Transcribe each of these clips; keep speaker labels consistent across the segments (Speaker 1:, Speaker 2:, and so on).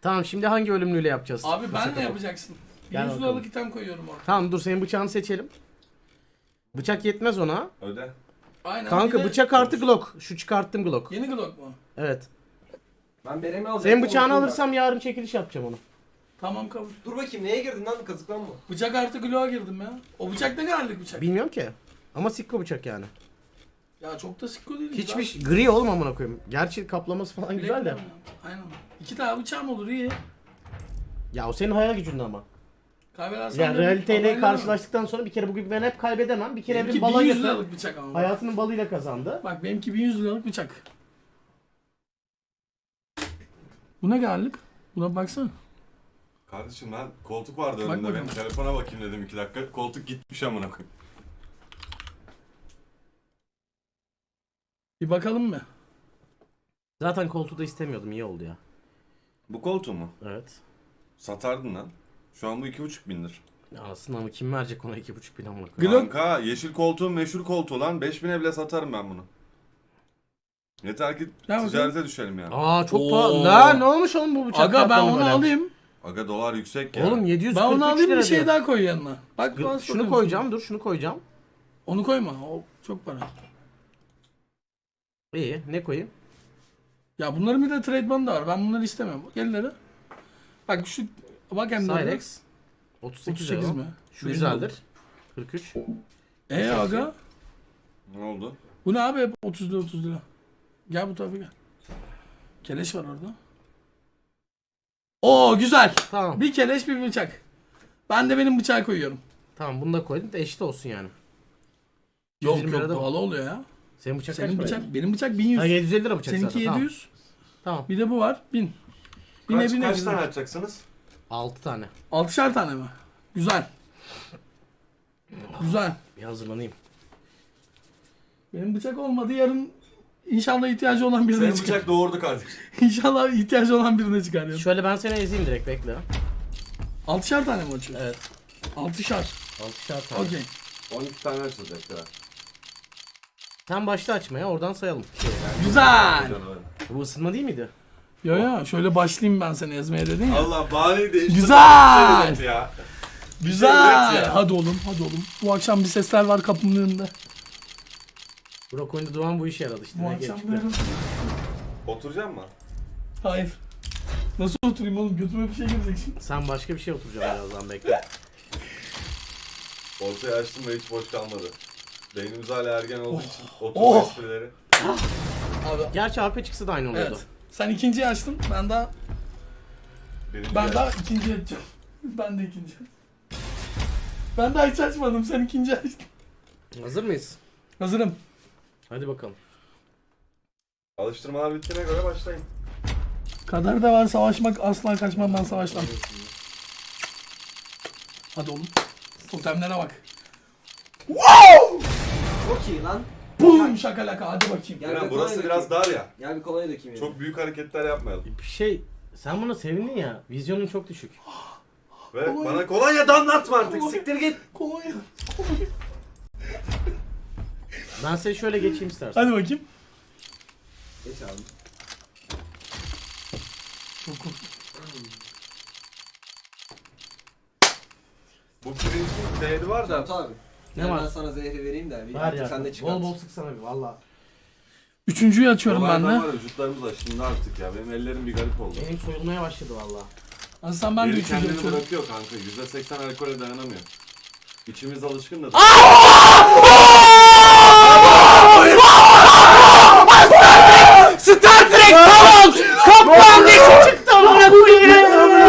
Speaker 1: Tamam şimdi hangi ölümlüyle yapacağız?
Speaker 2: Abi ben ne yapacaksın?
Speaker 1: Gel
Speaker 2: 100
Speaker 1: bakalım.
Speaker 2: liralık item koyuyorum orada.
Speaker 1: Tamam dur senin bıçağını seçelim. Bıçak yetmez ona.
Speaker 3: Öde.
Speaker 2: Aynen.
Speaker 1: Kanka
Speaker 2: bir de
Speaker 1: bıçak artı Glock. Şu çıkarttım Glock.
Speaker 2: Yeni Glock mu?
Speaker 1: Evet.
Speaker 4: Ben beremi alacağım.
Speaker 1: Senin bıçağını alırsam yarın çekiliş yapacağım onu.
Speaker 2: Tamam kabul.
Speaker 4: Dur bakayım neye girdin lan, kazıklanma.
Speaker 2: Bıçak artı Glock'a girdim ya. O bıçak ne kadarlık bıçak?
Speaker 1: Bilmiyorum ki. Ama sikko bıçak yani.
Speaker 2: Ya çok da sikko değil.
Speaker 1: Hiçbir gri olma amına koyayım. Gerçi kaplaması falan güzel de.
Speaker 2: Aynen. 2 tane bıçağım olur iyi.
Speaker 1: Ya o senin hayal gücünde ama.
Speaker 2: Kaybedersem
Speaker 1: Yani
Speaker 2: de-
Speaker 1: realiteyle
Speaker 2: Aynen.
Speaker 1: karşılaştıktan sonra bir kere bugün ben hep kaybedemem. Bir kere
Speaker 2: Benimki
Speaker 1: evrim bala
Speaker 2: 1100
Speaker 1: getir.
Speaker 2: liralık bıçak ama.
Speaker 1: Hayatının balıyla kazandı.
Speaker 2: Bak benimki 1100 liralık bıçak. Bu ne galip? Buna bir baksana.
Speaker 3: Kardeşim ben koltuk vardı
Speaker 2: Bak
Speaker 3: önümde,
Speaker 2: bakalım.
Speaker 3: benim telefona bakayım dedim 2 dakika. Koltuk gitmiş amına koyayım.
Speaker 2: Bir bakalım mı?
Speaker 1: Zaten koltuğu da istemiyordum. İyi oldu ya.
Speaker 3: Bu koltuğu mu?
Speaker 1: Evet.
Speaker 3: Satardın lan. Şu an bu 2,5 bindir.
Speaker 1: Ya aslında ama kim verecek ona 2,5 bin amına koyayım.
Speaker 2: Glock-
Speaker 3: Kanka yeşil koltuğun meşhur koltuğu lan. 5.000'e bile satarım ben bunu. Yeter ki
Speaker 2: Gel
Speaker 3: ticarete düşelim yani.
Speaker 1: Aa çok
Speaker 2: Oo.
Speaker 1: pahalı. Ne olmuş oğlum bu bıçak?
Speaker 2: Aga ben
Speaker 1: kaplama
Speaker 2: onu
Speaker 1: böyle?
Speaker 2: alayım.
Speaker 3: Aga dolar yüksek ya.
Speaker 1: Oğlum 743
Speaker 2: Ben onu alayım
Speaker 1: lira
Speaker 2: bir şey
Speaker 1: diyor.
Speaker 2: daha koy yanına. Bak bana
Speaker 1: Şunu
Speaker 2: soruyorsun.
Speaker 1: koyacağım dur şunu koyacağım.
Speaker 2: Onu koyma. O çok para.
Speaker 1: İyi ne koyayım?
Speaker 2: Ya bunların bir de trademark'ı da var. Ben bunları istemiyorum. Bak elleri. Bak şu bak hem de.
Speaker 1: Cyrex 38
Speaker 2: 38
Speaker 1: mi?
Speaker 2: mi?
Speaker 1: Şu
Speaker 2: Benim
Speaker 1: güzeldir. 43.
Speaker 2: Aga.
Speaker 3: Ne oldu?
Speaker 2: Bu ne abi hep 30 lira 30 lira. Gel bu tarafa gel. Keleş var orada. Oo güzel.
Speaker 1: Tamam.
Speaker 2: Bir keleş bir bıçak. Ben de benim bıçağı koyuyorum.
Speaker 1: Tamam bunu da koydum da eşit olsun yani.
Speaker 2: Yok
Speaker 1: 120
Speaker 2: yok
Speaker 1: lirada-
Speaker 2: pahalı oluyor ya.
Speaker 1: Senin bıçak
Speaker 2: Senin
Speaker 1: kaç
Speaker 2: bıçak benim bıçak 1100.
Speaker 1: Ha 750 lira bıçak
Speaker 2: Seninki
Speaker 1: zaten.
Speaker 2: 700.
Speaker 1: Tamam.
Speaker 2: Bir de bu var 1000. Bine
Speaker 3: Kaç,
Speaker 2: bine
Speaker 3: kaç
Speaker 2: bine.
Speaker 3: tane açacaksınız?
Speaker 1: 6 tane.
Speaker 2: 6'şar tane mi? Güzel. Güzel.
Speaker 1: Bir hazırlanayım.
Speaker 2: Benim bıçak olmadı yarın inşallah ihtiyacı olan birine
Speaker 3: Senin
Speaker 2: çıkar.
Speaker 3: bıçak doğurdu kardeşim.
Speaker 2: İnşallah ihtiyacı olan birine çıkar yarın.
Speaker 1: Şöyle ben seni ezeyim direkt bekle.
Speaker 2: 6'şar tane mi açıyorsun?
Speaker 1: Evet.
Speaker 2: 6'şar.
Speaker 1: 6'şar tane.
Speaker 2: Okey.
Speaker 3: 12 tane açılacak ya.
Speaker 1: Sen başla açmaya oradan sayalım.
Speaker 2: Güzel.
Speaker 1: Bu ısınma değil miydi?
Speaker 2: Yo yo şöyle başlayayım ben seni ezmeye dedin ya.
Speaker 3: Allah bahaneyi değiştir.
Speaker 2: Güzel.
Speaker 3: Evet ya.
Speaker 2: Güzel.
Speaker 3: Evet ya.
Speaker 2: Hadi oğlum hadi oğlum. Bu akşam bir sesler var kapımın önünde.
Speaker 1: Burak oyunda Doğan bu işe yaradı işte.
Speaker 2: Bu
Speaker 1: Ne
Speaker 2: akşam
Speaker 1: geçti?
Speaker 2: böyle.
Speaker 3: Oturacak mı?
Speaker 2: Hayır. Nasıl oturayım oğlum? Götüme bir şey girecek şimdi.
Speaker 1: Sen başka bir şey oturacaksın birazdan bekle.
Speaker 3: Ortaya açtım ve hiç boş kalmadı. Beynimiz hala ergen olduğu için oturma
Speaker 2: Oh.
Speaker 3: esprileri.
Speaker 2: Abi.
Speaker 1: Gerçi AP çıksa da aynı oluyordu.
Speaker 2: Evet. Sen ikinciyi açtın. Ben daha
Speaker 3: Birinci
Speaker 2: ben
Speaker 3: yer.
Speaker 2: daha ikinciyi açacağım. Ben de ikinci. Ben daha hiç açmadım. Sen ikinci açtın.
Speaker 1: Hazır mıyız?
Speaker 2: Hazırım.
Speaker 1: Hadi bakalım.
Speaker 3: Alıştırmalar bittiğine göre başlayın.
Speaker 2: Kader de var savaşmak asla kaçmam ben savaştan. Hadi oğlum. Totemlere bak.
Speaker 4: Çok iyi lan.
Speaker 2: Bum şakalaka hadi bakayım.
Speaker 4: Gel
Speaker 3: Eren,
Speaker 4: bir
Speaker 3: burası
Speaker 4: kolonya
Speaker 3: biraz
Speaker 4: dökeyim.
Speaker 3: dar ya.
Speaker 4: Gel bir kolonya dökeyim.
Speaker 3: Çok büyük hareketler yapmayalım.
Speaker 1: Bir şey sen buna sevindin ya. Vizyonun çok düşük.
Speaker 3: Ve
Speaker 2: Kolonya.
Speaker 3: bana kolonya damlatma artık.
Speaker 2: Kolonya.
Speaker 3: Siktir git.
Speaker 2: Kolonya.
Speaker 1: Ben seni şöyle geçeyim istersen.
Speaker 2: Hadi bakayım.
Speaker 4: Geç abi.
Speaker 2: Çok korktum.
Speaker 3: Bu pirincin değeri var da.
Speaker 4: Cantu abi.
Speaker 1: Ne
Speaker 4: Gel
Speaker 1: var?
Speaker 4: Ben sana zehri vereyim de. Bir
Speaker 1: Ver
Speaker 4: artık
Speaker 1: ya.
Speaker 4: sen de çıkart.
Speaker 1: Bol bol sıksana bir valla.
Speaker 2: Üçüncüyü açıyorum ben
Speaker 3: Dolardan
Speaker 2: de.
Speaker 3: var ya, vücutlarımız aşındı artık ya. Benim ellerim bir garip oldu.
Speaker 1: Benim soyulmaya başladı valla.
Speaker 2: Aslan ben de
Speaker 3: Biri
Speaker 2: üçüncüyü
Speaker 3: kendini
Speaker 2: açıyorum.
Speaker 3: bırakıyor kanka. %80 alkole dayanamıyor. İçimiz alışkın da.
Speaker 1: Star Trek tamam! Kaplan dişi çıktı amına koyayım!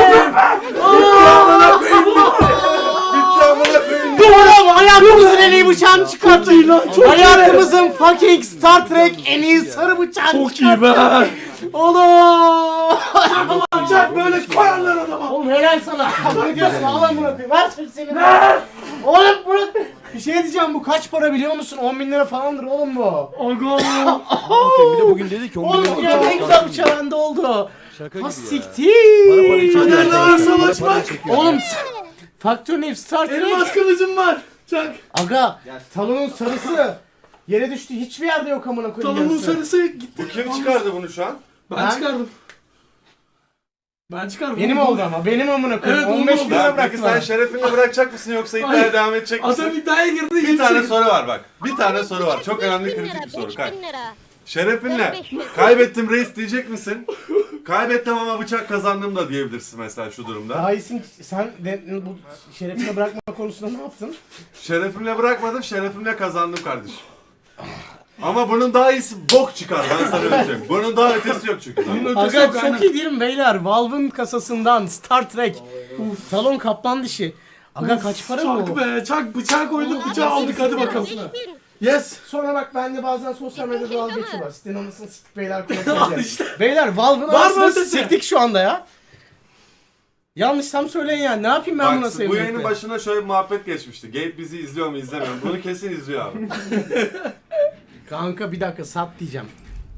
Speaker 1: Doğru hayatımızın en iyi bıçağını çıkarttı. Hayatımızın fucking Star Trek en iyi sarı bıçağını
Speaker 2: Çok iyi be.
Speaker 1: Oğlum!
Speaker 2: Bıçak böyle koyarlar adama.
Speaker 1: Oğlum helal sana. Ne diyorsun? Alan bırakayım. Ver seni. Oğlum bırak. Bir şey diyeceğim bu kaç para biliyor musun? 10 bin lira falandır oğlum bu.
Speaker 2: Aga.
Speaker 5: Bir de bugün dedi ki 10
Speaker 1: Oğlum ya ne güzel bıçağı bende oldu.
Speaker 5: Şaka
Speaker 1: Ha
Speaker 5: gibi ya.
Speaker 1: siktir.
Speaker 5: Para para çekiyor.
Speaker 2: Nerede var
Speaker 5: arkadaşlar, para
Speaker 2: savaşmak?
Speaker 5: para çekiyor.
Speaker 1: Oğlum Faktör Nef Star
Speaker 2: Elmas
Speaker 1: Trek.
Speaker 2: kılıcım var. Çak.
Speaker 1: Aga
Speaker 4: Gel.
Speaker 1: talonun sarısı. Yere düştü hiçbir yerde yok amına koyayım.
Speaker 2: Talonun
Speaker 1: yarısı.
Speaker 2: sarısı gitti.
Speaker 3: Bu kim çıkardı bunu şu an?
Speaker 2: Ben
Speaker 1: Ben-
Speaker 2: çıkardım. Ben çıkarım.
Speaker 1: Benim oldu ama benim amına koyayım.
Speaker 2: Evet,
Speaker 1: 15
Speaker 2: oldu.
Speaker 1: bin lira
Speaker 3: Peki
Speaker 1: bıraktım
Speaker 3: sen
Speaker 1: ben.
Speaker 3: şerefinle bırakacak mısın yoksa iddiaya devam edecek misin?
Speaker 2: Adam iddiaya girdi.
Speaker 3: Bir tane soru var bak. Bir tane soru var. Çok önemli
Speaker 6: 5000
Speaker 3: kritik
Speaker 6: lira,
Speaker 3: bir soru.
Speaker 6: 5000 lira.
Speaker 3: Şerefinle
Speaker 6: 5000.
Speaker 3: kaybettim reis diyecek misin? Kaybettim ama bıçak kazandım da diyebilirsin mesela şu durumda.
Speaker 1: Daha iyisin sen de bu şerefine bırakma konusunda ne yaptın?
Speaker 3: Şerefimle bırakmadım, şerefimle kazandım kardeşim. Ama bunun daha iyisi bok çıkar ben sana öyle söyleyeyim. Bunun daha ötesi yok çünkü.
Speaker 2: Bunun ötesi
Speaker 1: Aga
Speaker 2: yok
Speaker 1: çok
Speaker 2: aynen.
Speaker 1: iyi değil mi beyler? Valve'ın kasasından Star Trek. Talon kaplan dişi. Aga kaç para
Speaker 2: Çak
Speaker 1: bu?
Speaker 2: be çak bıçağı koyduk bıçağı aldık hadi bakalım.
Speaker 6: 5000.
Speaker 2: Yes.
Speaker 1: Sonra bak bende bazen sosyal medyada dalga geçiyorlar. Sitenin anasını siktik beyler
Speaker 2: Al
Speaker 1: konuşuyor.
Speaker 2: işte.
Speaker 1: Beyler Valve'ın
Speaker 2: Var mı
Speaker 1: anasını
Speaker 2: ötesi?
Speaker 1: siktik şu anda ya. Yanlışsam söyleyin yani. Ne yapayım ben buna
Speaker 3: Bak bu
Speaker 1: sevmekle?
Speaker 3: yayının başına şöyle bir muhabbet geçmişti. Gabe bizi izliyor mu izlemiyor mu? Bunu kesin izliyor abi.
Speaker 1: Kanka bir dakika sat diyeceğim.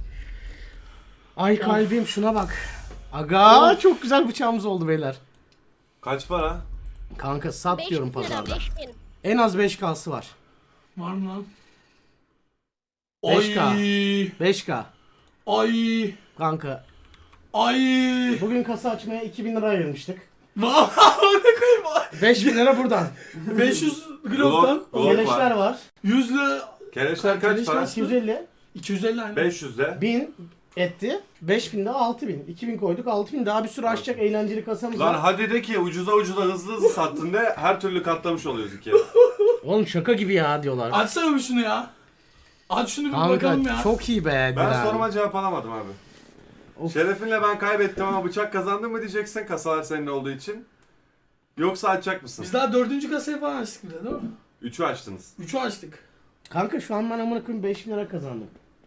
Speaker 1: Ay kalbim şuna bak. Aga çok güzel bıçağımız oldu beyler.
Speaker 3: Kaç para?
Speaker 1: Kanka sat diyorum
Speaker 6: 5000 lira,
Speaker 1: pazarda.
Speaker 6: 5000.
Speaker 1: En az 5K'sı var.
Speaker 2: Var mı lan?
Speaker 1: 5K.
Speaker 2: Ay.
Speaker 1: 5K.
Speaker 2: Ay.
Speaker 1: Kanka
Speaker 2: Ay.
Speaker 1: bugün kasa açmaya 2000 lira ayırmıştık.
Speaker 2: Vallahi ne koyayım.
Speaker 1: 5000 lira buradan.
Speaker 2: 500 Glock'tan
Speaker 3: Glock
Speaker 1: Keleşler var.
Speaker 2: 100'lü
Speaker 3: Kereçler kaç para?
Speaker 1: 250.
Speaker 2: 250 aynı.
Speaker 3: 500'de.
Speaker 1: 1000 etti. 5000 de 6000. 2000 koyduk 6000 daha bir sürü açacak eğlenceli kasamız
Speaker 3: Lan
Speaker 1: var.
Speaker 3: hadi de ki ucuza ucuza hızlı hızlı sattın de her türlü katlamış oluyoruz ikiye.
Speaker 1: Oğlum şaka gibi ya diyorlar.
Speaker 2: Açsana bir şunu ya. Aç şunu bir bakalım
Speaker 1: Kanka
Speaker 2: ya.
Speaker 1: çok iyi be.
Speaker 3: Ben
Speaker 1: Dilan.
Speaker 3: soruma cevap alamadım abi.
Speaker 1: Of.
Speaker 3: Şerefinle ben kaybettim ama bıçak kazandım mı diyeceksin kasalar senin olduğu için. Yoksa açacak mısın?
Speaker 2: Biz daha 4. kasayı falan açtık bir de değil mi?
Speaker 3: 3'ü açtınız.
Speaker 2: 3'ü açtık.
Speaker 1: Kanka şu an ben amına koyayım 5000 lira kazandım.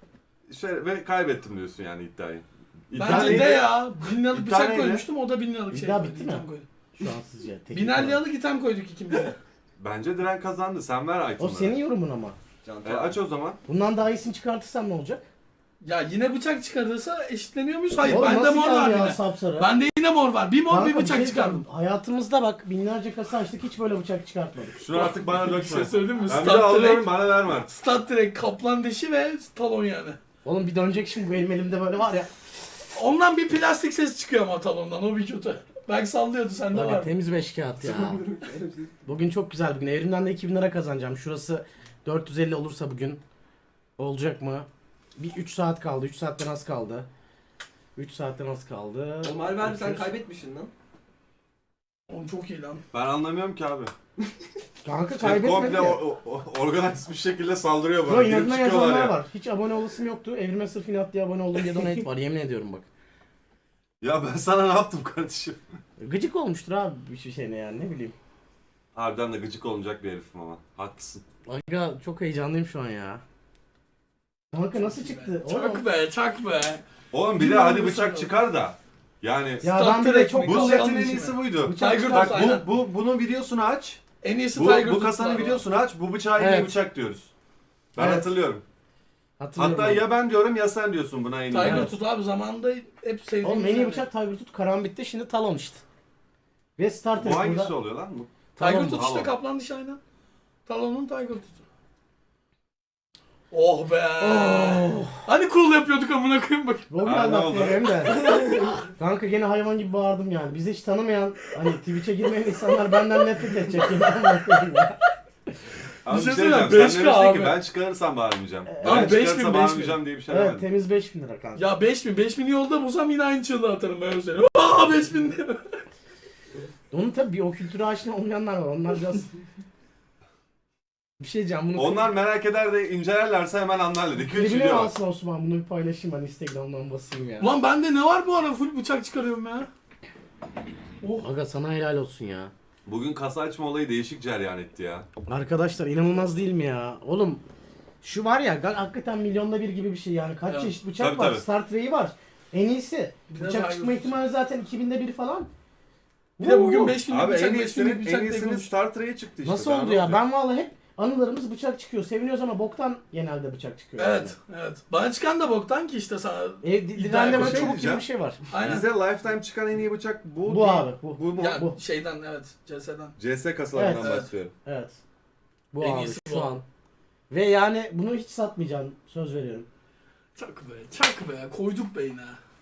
Speaker 3: Ve kaybettim diyorsun yani iddiayı.
Speaker 2: Bence
Speaker 3: neydi?
Speaker 2: de ya. 1000 liralık
Speaker 3: İddia
Speaker 2: bıçak
Speaker 3: neydi?
Speaker 2: koymuştum o da 1000 liralık şey.
Speaker 1: İddia
Speaker 2: koydu,
Speaker 1: bitti mi?
Speaker 2: item koydu.
Speaker 1: Şu an sizce. teknik
Speaker 2: 1000
Speaker 1: olarak.
Speaker 2: liralık item koyduk ikimiz de.
Speaker 3: Bence Diren kazandı. Sen ver
Speaker 1: O
Speaker 3: itemları.
Speaker 1: senin yorumun ama.
Speaker 3: Aç o zaman.
Speaker 1: Bundan daha iyisini çıkartırsam ne olacak?
Speaker 2: Ya yine bıçak çıkarırsa eşitleniyor muyuz? Hayır
Speaker 1: Oğlum
Speaker 2: bende
Speaker 1: nasıl
Speaker 2: mor var
Speaker 1: geldi ya
Speaker 2: yine.
Speaker 1: sapsarı?
Speaker 2: Bende yine mor var. Bir mor
Speaker 1: Kanka,
Speaker 2: bir bıçak
Speaker 1: şey
Speaker 2: çıkardım.
Speaker 1: diyeceğim, Hayatımızda bak binlerce kasa açtık hiç böyle bıçak çıkartmadık.
Speaker 3: Şunu artık bana
Speaker 2: Bir
Speaker 3: dökme.
Speaker 2: şey söyleyeyim mi?
Speaker 3: Ben bir de alıyorum bana verme.
Speaker 2: Stat direkt kaplan dişi ve talon yani.
Speaker 1: Oğlum bir dönecek şimdi bu benim elimde böyle var ya.
Speaker 2: Ondan bir plastik ses çıkıyor ama talondan o bir kötü. Belki sallıyordu sende
Speaker 1: Valla
Speaker 2: var.
Speaker 1: temiz 5 kağıt ya. Bugün çok güzel bir gün. Evrimden de 2000 lira kazanacağım. Şurası 450 olursa bugün. Olacak mı? Bir 3 saat kaldı. 3 saatten az kaldı. 3 saatten az kaldı.
Speaker 4: Oğlum harbi sen
Speaker 1: Bakıyoruz.
Speaker 4: kaybetmişsin lan.
Speaker 2: Oğlum çok iyi lan.
Speaker 3: Ben anlamıyorum ki abi.
Speaker 1: Kanka
Speaker 3: Şey,
Speaker 1: kaybetmedi
Speaker 3: komple
Speaker 1: ya.
Speaker 3: organize bir şekilde saldırıyor
Speaker 1: Yo
Speaker 3: bana. Girip
Speaker 1: inadına
Speaker 3: çıkıyorlar
Speaker 1: yazanlar
Speaker 3: ya.
Speaker 1: var. Hiç abone olasım yoktu. Evrime sırf inat diye abone oldum diye donate var. Yemin ediyorum bak.
Speaker 3: Ya ben sana ne yaptım kardeşim?
Speaker 1: Gıcık olmuştur abi bir şeyine yani ne bileyim.
Speaker 3: Harbiden de gıcık olunacak bir herifim ama. Haklısın.
Speaker 1: Aga çok heyecanlıyım şu an ya. Kanka nasıl çıktı? Oğlum.
Speaker 2: Çak be çak be.
Speaker 3: Oğlum bir de
Speaker 2: Bilmiyorum
Speaker 3: hadi
Speaker 2: bu
Speaker 3: bıçak
Speaker 2: sana.
Speaker 3: çıkar da. Yani
Speaker 1: Ya
Speaker 2: Star
Speaker 1: ben bir de
Speaker 2: Trek
Speaker 1: çok
Speaker 2: mi?
Speaker 3: bu
Speaker 2: Kalkan
Speaker 3: setin en
Speaker 2: dişi
Speaker 3: iyisi
Speaker 2: mi?
Speaker 3: buydu.
Speaker 1: Bıçak
Speaker 2: Tiger
Speaker 1: çıkar-
Speaker 2: Tooth
Speaker 3: Bak
Speaker 2: aynen.
Speaker 3: bunun videosunu aç.
Speaker 2: En iyisi
Speaker 3: Bu,
Speaker 2: Tiger
Speaker 3: bu
Speaker 2: Tooth
Speaker 3: kasanın
Speaker 2: var.
Speaker 3: videosunu aç. Bu bıçağa en iyi
Speaker 1: Evet.
Speaker 3: bıçak diyoruz. Ben
Speaker 1: Evet.
Speaker 3: hatırlıyorum.
Speaker 1: Hatırlıyorum
Speaker 3: Hatta
Speaker 1: abi.
Speaker 3: ya ben diyorum ya sen diyorsun buna en iyi.
Speaker 2: Tiger
Speaker 1: Evet.
Speaker 2: Tooth abi zamanında hep sevdiğim.
Speaker 1: Oğlum en iyi
Speaker 2: yani.
Speaker 1: bıçak Tiger Tooth Karambit'te şimdi Talon işte. Ve Star Trek
Speaker 3: Bu hangisi
Speaker 1: burada.
Speaker 3: oluyor lan? Bu?
Speaker 2: Tiger
Speaker 1: Talon.
Speaker 2: Tooth işte
Speaker 3: Talon.
Speaker 2: kaplan dişi aynen. Talon'un Tiger Tooth'u. Oh be.
Speaker 1: Oh.
Speaker 2: Hani cool yapıyorduk amına koyayım bak.
Speaker 1: Bugün
Speaker 3: Ha, ne oldu?
Speaker 1: anlattım hem de. Kanka gene hayvan gibi bağırdım yani. Bizi hiç tanımayan, hani Twitch'e girmeyen insanlar benden nefret edecek. Yine anlatayım ya.
Speaker 3: Abi
Speaker 2: Bir
Speaker 3: bir
Speaker 2: şey
Speaker 3: şey diyeceğim.
Speaker 2: söyleyeyim,
Speaker 3: Sen
Speaker 2: 5K
Speaker 3: demiştin ki
Speaker 2: abi.
Speaker 3: ben çıkarırsam bağırmayacağım.
Speaker 1: Abi
Speaker 3: Ben
Speaker 2: 5000,
Speaker 3: çıkarırsam bağırmayacağım diye bir şey
Speaker 1: Evet
Speaker 3: demedim.
Speaker 1: temiz 5000 lira kanka.
Speaker 2: Ya 5000 yolda bulsam yine aynı çığlığı atarım ben öyle. Aa 5000 diye.
Speaker 1: Onun tabii bir o kültüre aşina olmayanlar var. Onlar biraz... Bir şey diyeceğim bunu...
Speaker 3: Onlar merak eder de incelerlerse hemen anlarlar. 2-3
Speaker 1: Klibine
Speaker 3: video var.
Speaker 1: alsın Osman bunu bir paylaşayım ben Instagram'dan basayım ya.
Speaker 2: Ulan bende ne var bu ara full bıçak çıkarıyorum ya. Oh.
Speaker 1: Aga sana helal olsun ya.
Speaker 3: Bugün kasa açma olayı değişik cereyan etti ya.
Speaker 1: Arkadaşlar inanılmaz değil mi ya? Oğlum şu var ya hakikaten milyonda bir gibi bir şey yani. Kaç
Speaker 2: Evet.
Speaker 1: çeşit bıçak
Speaker 3: Tabii,
Speaker 1: var.
Speaker 3: tabii.
Speaker 1: Star Trek'i var. En iyisi.
Speaker 2: Bir de
Speaker 1: Bıçak
Speaker 2: Tiger
Speaker 1: çıkma
Speaker 2: Tooth.
Speaker 1: ihtimali zaten 2000'de bir falan.
Speaker 2: Bir de bugün
Speaker 1: Woo!
Speaker 2: 5000
Speaker 3: Abi
Speaker 2: bıçak
Speaker 3: en
Speaker 2: 5000
Speaker 3: iyisini,
Speaker 2: bıçak
Speaker 3: en
Speaker 2: diye
Speaker 3: iyisini
Speaker 2: konuştuk.
Speaker 3: Star Trek'e çıktı işte.
Speaker 1: Nasıl
Speaker 3: Daha
Speaker 1: oldu
Speaker 3: ne
Speaker 1: ya?
Speaker 3: olacak?
Speaker 1: Ben vallahi hep anılarımız bıçak çıkıyor. Seviniyoruz ama boktan genelde bıçak çıkıyor.
Speaker 2: Evet, evet. Bana çıkan da boktan ki işte sana.
Speaker 1: Diren'de böyle
Speaker 3: şey
Speaker 1: çubuk gibi
Speaker 3: diyeceğim.
Speaker 1: bir şey var.
Speaker 2: Aynen.
Speaker 3: Bize Lifetime çıkan en iyi bıçak bu
Speaker 1: Bu
Speaker 3: değil.
Speaker 1: abi, bu.
Speaker 3: Bu mu?
Speaker 2: Ya
Speaker 1: bu.
Speaker 2: şeyden evet, CS'den.
Speaker 3: CS kasalarından
Speaker 2: Evet.
Speaker 3: bahsediyorum.
Speaker 1: Evet. Bu
Speaker 2: En
Speaker 1: abi
Speaker 2: iyisi
Speaker 1: şu
Speaker 2: bu.
Speaker 1: an. Ve yani bunu hiç satmayacağım. Söz veriyorum.
Speaker 2: Çak be, çak be. Koyduk be yine.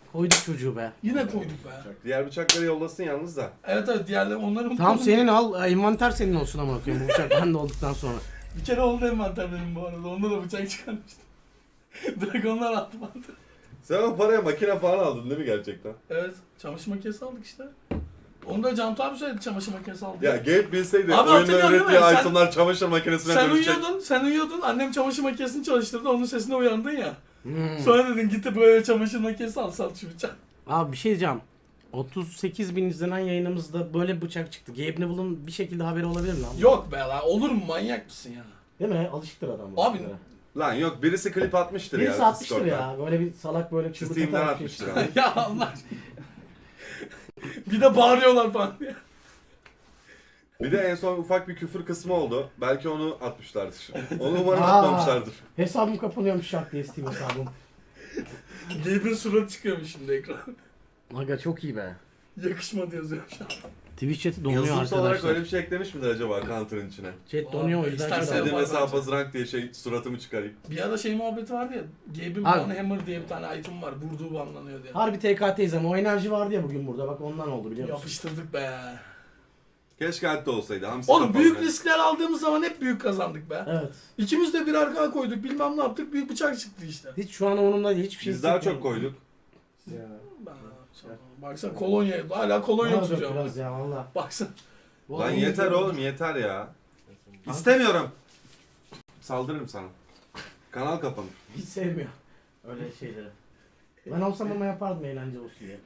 Speaker 1: Koyduk çocuğu be.
Speaker 2: Yine koyduk be.
Speaker 3: Diğer bıçakları yollasın yalnız da.
Speaker 2: Evet diğerleri onların...
Speaker 1: Tamam senin al. Envanter senin olsun ama bakıyorum. Bu bıçak bende olduktan sonra.
Speaker 2: Bir kere oldu envanter benim bu arada. Onda da bıçak çıkarmıştım. Dragonlar attı bana.
Speaker 3: Sen o paraya makine falan aldın değil mi gerçekten?
Speaker 2: Evet. Çamaşır makinesi aldık işte. Onu da Cantu abi söyledi çamaşır makinesi aldı.
Speaker 3: Ya Gabe bilseydi
Speaker 2: Abi
Speaker 3: oyunda
Speaker 2: hatırlıyor musun?
Speaker 3: ürettiği
Speaker 2: Sen-
Speaker 3: itemlar çamaşır makinesine dönüşecek.
Speaker 2: Sen uyuyordun. Annem çamaşır makinesini çalıştırdı. Onun sesine uyandın ya.
Speaker 1: Hmm.
Speaker 2: Sonra dedin gitti böyle çamaşır makinesi al sat şu bıçak.
Speaker 1: Abi bir şey diyeceğim. 38.000 izlenen yayınımızda böyle bir bıçak çıktı. Gabe Neville'ın bir şekilde haberi olabilir mi lan?
Speaker 2: Yok be la olur mu manyak mısın ya?
Speaker 1: Değil mi? Alışıktır adam. bu
Speaker 2: Abi,
Speaker 1: işlere.
Speaker 3: Lan yok birisi klip atmıştır
Speaker 1: Birisi
Speaker 3: ya.
Speaker 1: atmıştır
Speaker 3: Discord'dan.
Speaker 1: ya. Böyle bir salak böyle çığlık
Speaker 3: Steam'den
Speaker 1: atarak bir şey
Speaker 3: atmıştır
Speaker 1: çıktı.
Speaker 3: abi.
Speaker 2: Ya Allah aşkına. Bir de bağırıyorlar falan diye.
Speaker 3: Bir de en son ufak bir küfür kısmı oldu. Belki onu atmışlardır. Onu umarım
Speaker 1: Aa.
Speaker 3: atmamışlardır.
Speaker 1: Hesabım kapanıyormuş şak diye Steam hesabım.
Speaker 2: Gabe'in suratı çıkıyormuş şimdi ekran.
Speaker 1: Aga çok iyi be.
Speaker 2: Yakışmadı yazıyor şu an.
Speaker 1: Twitch chat'i donuyor
Speaker 3: Yazılımsal
Speaker 1: arkadaşlar.
Speaker 3: olarak öyle bir şey eklemiş midir acaba Counter'ın içine?
Speaker 1: Chat donuyor o
Speaker 2: Abi,
Speaker 1: yüzden.
Speaker 2: istersen-
Speaker 1: şey
Speaker 3: İstediğim
Speaker 2: var
Speaker 3: hesap
Speaker 2: bence.
Speaker 3: rank diye suratımı çıkarayım.
Speaker 2: Bir ara şey muhabbeti vardı ya. Gabe'in
Speaker 1: Abi.
Speaker 2: Bana Hammer diye bir tane item var. Vurduğu banlanıyor diye.
Speaker 1: Harbi TKT'yiz ama o enerji vardı ya bugün burada. Bak ondan oldu biliyor musun?
Speaker 2: Yapıştırdık be.
Speaker 3: Keşke hatta olsaydı. Hamsi
Speaker 2: Oğlum
Speaker 3: kapalı.
Speaker 2: büyük riskler aldığımız zaman hep büyük kazandık be.
Speaker 1: Evet.
Speaker 2: İkimiz de bir arkaya koyduk bilmem ne yaptık büyük bıçak çıktı işte.
Speaker 1: Hiç şu an onunla hiçbir şey
Speaker 3: Biz daha çok
Speaker 1: hissetmiyorum.
Speaker 3: koyduk.
Speaker 1: Ya.
Speaker 2: Baksana kolonya hala kolonya
Speaker 1: Ne olacak
Speaker 2: tutuyor.
Speaker 1: biraz ya valla.
Speaker 2: Baksana.
Speaker 3: Lan yeter oğlum yeter ya. İstemiyorum. Saldırırım sana. Kanal kapanır.
Speaker 1: Hiç sevmiyor öyle şeyleri. Ben olsam ama yapardım eğlence olsun diye.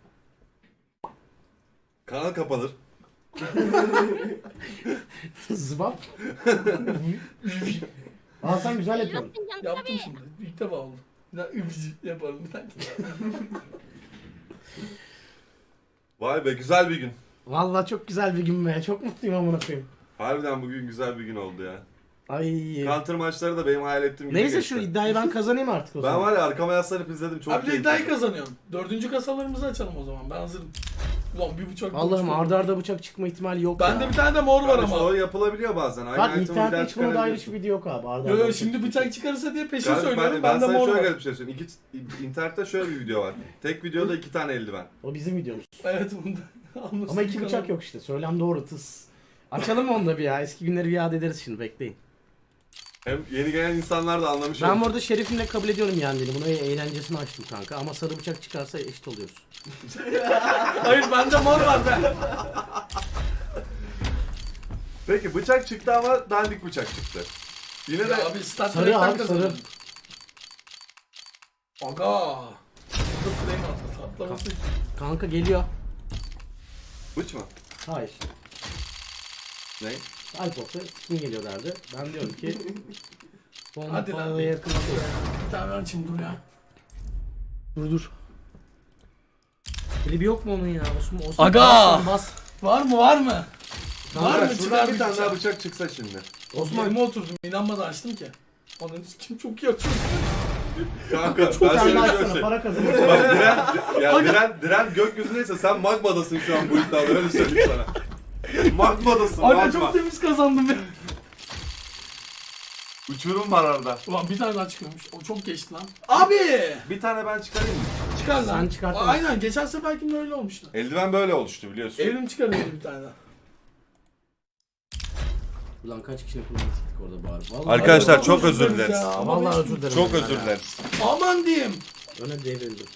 Speaker 3: Kanal kapanır.
Speaker 1: Zıbap. Aa sen güzel yapıyorsun.
Speaker 2: Yaptım şimdi. İlk defa oldu. Bir daha übücü yaparım bir dakika.
Speaker 3: Vay be güzel bir gün.
Speaker 1: Valla çok güzel bir gün be. Çok mutluyum amına koyayım.
Speaker 3: Harbiden bugün güzel bir gün oldu ya.
Speaker 1: Ay.
Speaker 3: Counter maçları da benim hayal ettiğim gibi
Speaker 1: Neyse
Speaker 3: geçti.
Speaker 1: şu iddiayı ben kazanayım artık o
Speaker 3: Ben
Speaker 1: zaman.
Speaker 3: var ya arkama yaslanıp izledim çok
Speaker 2: Abi de
Speaker 3: keyifli.
Speaker 2: iddiayı kazanıyorum. 4. kasalarımızı açalım o zaman. Ben hazırım. Ulan bir bıçak.
Speaker 1: Allah'ım arda arda bıçak çıkma ihtimali yok
Speaker 2: Bende
Speaker 1: ya.
Speaker 2: bir tane de mor var
Speaker 3: Kardeş,
Speaker 2: ama.
Speaker 3: o yapılabiliyor bazen. Aynı
Speaker 1: Bak
Speaker 3: item'ı bir
Speaker 1: internette
Speaker 3: daha
Speaker 1: hiç buna dair
Speaker 3: çıkarabiliyorsun.
Speaker 1: hiçbir video yok abi. Arda
Speaker 2: Yo
Speaker 1: arda
Speaker 2: yo şimdi bıçak çıkarırsa diye peşin
Speaker 3: Kardeş,
Speaker 2: söylüyorum.
Speaker 3: ben
Speaker 2: Bende
Speaker 3: sana
Speaker 2: mor
Speaker 3: şöyle
Speaker 2: var.
Speaker 3: garip bir şey söyleyeyim. İnternette şöyle bir video var. Tek videoda 2 tane eldiven.
Speaker 1: O bizim videomuz.
Speaker 2: Evet bunda.
Speaker 1: Ama iki bıçak yok işte. Söylem doğru tıs. Açalım onu da bir ya. Eski günleri bir yad ederiz şimdi bekleyin.
Speaker 3: Hem yeni gelen insanlar da anlamış
Speaker 1: Ben
Speaker 3: olur.
Speaker 1: burada Şerif'imle kabul ediyorum yendiğini. Bunu eğlencesini açtım kanka. Ama sarı bıçak çıkarsa eşit oluyoruz.
Speaker 2: Hayır bende mor var be.
Speaker 3: Peki bıçak çıktı ama dandik bıçak çıktı. Yine de
Speaker 2: Ya abi Star
Speaker 1: Sarı
Speaker 2: Trek'ten
Speaker 1: abi,
Speaker 2: kazandım.
Speaker 1: sarı.
Speaker 2: Aga. Burada flame attı. Atlaması.
Speaker 1: Kanka geliyor.
Speaker 3: bıç mı?
Speaker 1: Hayır.
Speaker 3: Ne?
Speaker 1: Alpok'ta kim geliyor derdi. Ben diyorum ki
Speaker 2: Hadi lan.
Speaker 1: bombaya yakın.
Speaker 2: Bir tane açayım dur ya.
Speaker 1: Dur. Klibi yok mu onun ya? Osman
Speaker 2: Aga!
Speaker 1: bas.
Speaker 2: Var mı var mı?
Speaker 1: Kanka,
Speaker 2: Var mı?
Speaker 3: Şuradan
Speaker 2: Çıkar
Speaker 3: bir
Speaker 2: bir
Speaker 3: tane
Speaker 2: bıçak.
Speaker 3: daha bıçak çıksa şimdi.
Speaker 2: Osman elime oturdum. İnanmadan açtım ki. Onun kim çok iyi açıyor.
Speaker 3: Kanka ben
Speaker 1: Sen
Speaker 3: şöyle
Speaker 1: de
Speaker 3: bir şey
Speaker 1: açsana
Speaker 3: söyleyeyim.
Speaker 1: para kazanırsın.
Speaker 3: Bak Diren gökyüzündeyse sen magmadasın şu an bu iddiada öyle söyleyeyim sana. Magmadasın
Speaker 2: Anne
Speaker 3: magma.
Speaker 2: çok temiz kazandım ya.
Speaker 3: Uçurum var arada.
Speaker 2: Ulan bir tane daha çıkıyormuş. O çok geçti lan. Abi!
Speaker 3: Bir tane ben çıkarayım mı?
Speaker 2: Çıkar lan.
Speaker 1: Sen çıkartamazsın.
Speaker 2: Aynen geçen seferkinde öyle olmuştu.
Speaker 3: Eldiven böyle oluştu biliyorsun.
Speaker 2: Evrim çıkarıyordu bir tane daha.
Speaker 1: Ulan kaç kişinin kulağını sıktık orada bari. Vallahi
Speaker 3: Arkadaşlar,
Speaker 2: Ay,
Speaker 3: çok özür
Speaker 2: dileriz
Speaker 3: dileriz.
Speaker 2: ya. Ama
Speaker 1: Vallahi
Speaker 2: hiç-
Speaker 1: özür dilerim.
Speaker 3: Çok
Speaker 1: ben
Speaker 3: özür
Speaker 1: ya.
Speaker 3: dileriz.
Speaker 2: Aman diyeyim.
Speaker 1: Öne devrildim.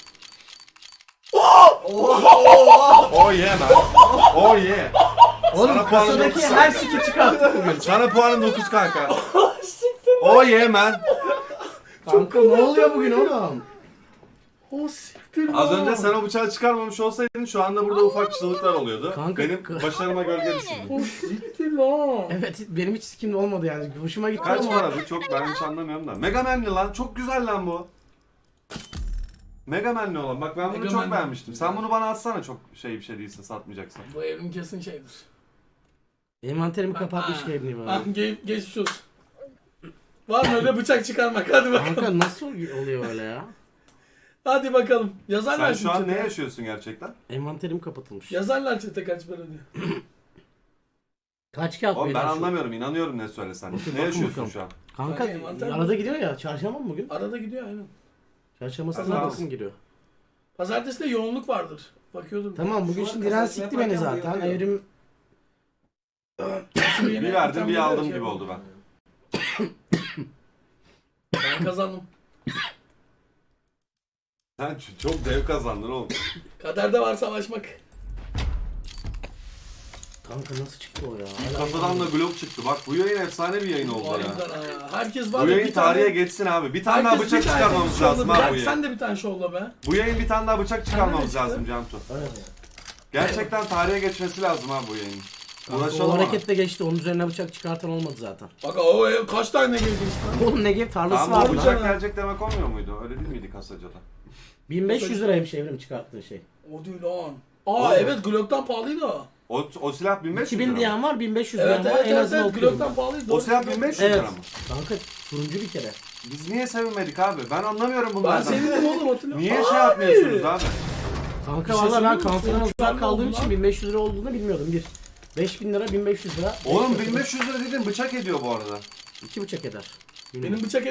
Speaker 3: Oh yeah man. Oh yeah.
Speaker 1: Oğlum
Speaker 3: Sana puanım
Speaker 1: kasadaki
Speaker 3: dokuz
Speaker 1: her
Speaker 3: kanka.
Speaker 1: siki çıkarttık bugün.
Speaker 3: Sana puanım 9 kanka. Oh yeah man.
Speaker 1: Kanka ne oluyor bugün oğlum?
Speaker 2: O siktir
Speaker 3: Az
Speaker 2: lan.
Speaker 3: önce sen o bıçağı çıkarmamış olsaydın şu anda burada ufak çığlıklar oluyordu.
Speaker 1: Kanka-
Speaker 3: Benim başarıma gölge düşürdü.
Speaker 2: O siktir lan.
Speaker 1: Evet benim hiç sikimde olmadı yani. Hoşuma gitti
Speaker 3: Kaç
Speaker 1: ama.
Speaker 3: para bu? Çok ben hiç anlamıyorum da. Mega Man'li lan. Çok güzel lan bu. Mega Man'li olan. Bak ben bunu
Speaker 2: Mega
Speaker 3: çok
Speaker 2: Man'li.
Speaker 3: beğenmiştim. Sen bunu bana atsana çok bir şey değilse satmayacaksan.
Speaker 2: Bu evrim kesin şeydir.
Speaker 1: Envanterimi kapatmış gibi
Speaker 2: Ah
Speaker 1: böyle.
Speaker 2: geçmiş olsun. Var mı öyle bıçak çıkarmak? Hadi bakalım.
Speaker 1: Kanka nasıl oluyor öyle ya?
Speaker 2: Hadi bakalım. Yazarlar
Speaker 3: Sen şu an
Speaker 2: chat'e.
Speaker 3: ne yaşıyorsun gerçekten?
Speaker 1: Envanterim kapatılmış.
Speaker 2: Yazarlar çete kaç para diyor.
Speaker 1: Kaç kağıt
Speaker 3: Oğlum ben
Speaker 1: beyler şu?
Speaker 3: anlamıyorum. İnanıyorum ne söylesen.
Speaker 1: Bakın,
Speaker 3: Ne
Speaker 1: bakın
Speaker 3: yaşıyorsun
Speaker 1: bakalım.
Speaker 3: şu an?
Speaker 1: Kanka
Speaker 2: Kanka, envanter
Speaker 1: arada gidiyor ya. Çarşamba mı bugün?
Speaker 2: Arada gidiyor aynen.
Speaker 1: Çarşamba
Speaker 3: Tamam.
Speaker 1: sınavdasın giriyor.
Speaker 2: Pazartesi de yoğunluk vardır. Bakıyordum.
Speaker 1: Tamam bugün
Speaker 4: Şu
Speaker 1: şimdi
Speaker 4: an
Speaker 1: Diren
Speaker 4: kasasına
Speaker 1: sikti beni
Speaker 4: yaparken
Speaker 1: zaten.
Speaker 4: bayılıyor.
Speaker 1: Evrim
Speaker 3: Bir verdim bir aldım gibi oldu ben.
Speaker 2: Ben kazandım.
Speaker 3: Sen çok zevk kazandın oğlum.
Speaker 2: Kaderde var savaşmak.
Speaker 1: kanka nasıl çıktı o ya?
Speaker 3: Kafadan da blok çıktı. Bak bu yayın efsane bir yayın oldu ya.
Speaker 2: Harbiden ha. Herkes var
Speaker 3: Bu
Speaker 2: ya,
Speaker 3: yayın
Speaker 2: bir tane-
Speaker 3: tarihe geçsin abi. Bir tane daha
Speaker 2: herkes
Speaker 3: bıçak
Speaker 2: bir tane
Speaker 3: çıkarmamız
Speaker 2: şovla
Speaker 3: lazım
Speaker 2: be.
Speaker 3: abi bu
Speaker 2: Sen
Speaker 3: yayın.
Speaker 2: de bir tane şovla be.
Speaker 3: Bu yayın bir tane daha bıçak çıkarmamız
Speaker 2: çıktı.
Speaker 3: lazım Cantu.
Speaker 1: Evet.
Speaker 3: Gerçekten tarihe geçmesi lazım abi bu yayın.
Speaker 1: O
Speaker 3: Uğraşalım abi.
Speaker 1: hareketle geçti. Onun üzerine bıçak çıkartan olmadı zaten.
Speaker 2: Bak o kaç tane girdin sen?
Speaker 1: Oğlum ne gibi tarlası
Speaker 3: Tamam
Speaker 1: var
Speaker 3: bu
Speaker 1: lan.
Speaker 3: bıçak gelecek demek olmuyor muydu? Öyle değil miydi kasacada?
Speaker 1: 1500 liraymış Evrim çıkarttığı şey.
Speaker 2: O değil lan.
Speaker 3: Oğlum.
Speaker 2: Evet Glock'tan pahalıydı o.
Speaker 3: O silah 1500 lira
Speaker 1: 2000
Speaker 3: mı?
Speaker 1: diyen var, 1500
Speaker 2: Evet
Speaker 1: diyen var.
Speaker 2: evet
Speaker 1: En
Speaker 2: evet,
Speaker 1: azından
Speaker 2: evet.
Speaker 1: okuyorum.
Speaker 2: Glock'tan pahalıydı.
Speaker 3: O silah 1500
Speaker 1: Evet.
Speaker 3: lira mı?
Speaker 1: Kanka turuncu bir kere.
Speaker 3: Biz niye sevinmedik abi? Ben anlamıyorum
Speaker 2: Ben
Speaker 3: bunlardan.
Speaker 2: sevindim oğlum hatırlıyorum.
Speaker 3: Niye şey yapmıyorsunuz abi?
Speaker 1: Kanka
Speaker 2: Bir şey
Speaker 1: valla ben
Speaker 2: söyleyeyim mi?
Speaker 1: kanserden
Speaker 2: Sonuç
Speaker 1: uzak
Speaker 2: belli
Speaker 1: kaldığım
Speaker 2: oldu
Speaker 1: için
Speaker 2: lan.
Speaker 1: 1500 lira olduğunu bilmiyordum. 5000 lira 1500 lira.
Speaker 3: Oğlum
Speaker 1: 500
Speaker 3: 1500 lira dedin bıçak ediyor bu arada.
Speaker 1: 2 bıçak eder.
Speaker 2: Benim bıçak